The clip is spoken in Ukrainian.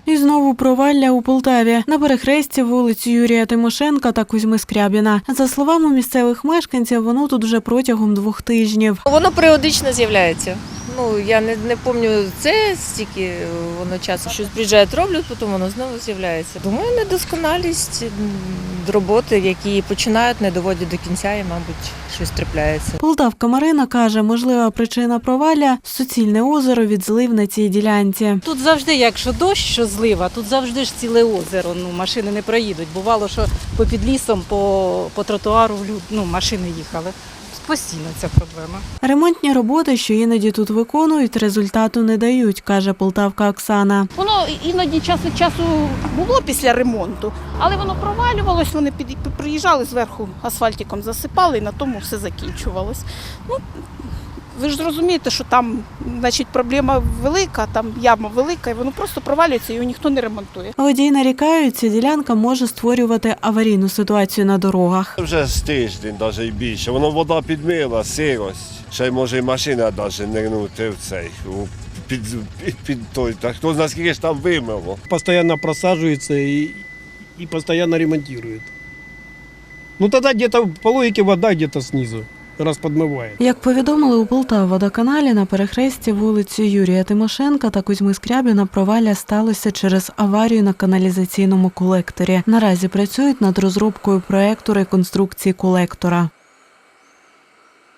І знову провалля у Полтаві. На перехресті вулиць Юрія Тимошенка та Кузьми Скрябіна. За словами місцевих мешканців, воно тут вже протягом 2 тижнів. Воно періодично з'являється. Я не пам'ятаю це стільки воно часу. Щось приїжджають, роблять, потім воно знову з'являється. Думаю, недосконалість роботи, які починають, не доводять до кінця і, мабуть, щось трапляється. Полтавка Марина каже, можлива причина провалля – суцільне озеро від злив на цій ділянці. Тут завжди, якщо дощ, що злива, тут завжди ж ціле озеро, машини не проїдуть. Бувало, що попід лісом, по тротуару машини їхали. Постійно ця проблема. Ремонтні роботи, що іноді тут виконують, результату не дають, каже полтавка Оксана. Воно іноді час від часу було після ремонту, але воно провалювалось, вони приїжджали зверху, асфальтиком засипали і на тому все закінчувалось. Ви ж розумієте, що там, проблема велика, там яма велика, і воно просто провалюється, його ніхто не ремонтує. Водії нарікають, ця ділянка може створювати аварійну ситуацію на дорогах. Вже з тиждень, навіть і більше. Воно вода підмила, сирость. Ще й може і машина навіть нирнути в цей, під той. Так хто знає, скільки ж там вимило. Постоянно просаживается и постоянно ремонтирует. Тогда где-то по логике вода где-то снизу. Раз подмиває. Як повідомили у Полтававодоканалі, на перехресті вулиці Юрія Тимошенка та Кузьми Скрябіна провалля сталося через аварію на каналізаційному колекторі. Наразі працюють над розробкою проекту реконструкції колектора.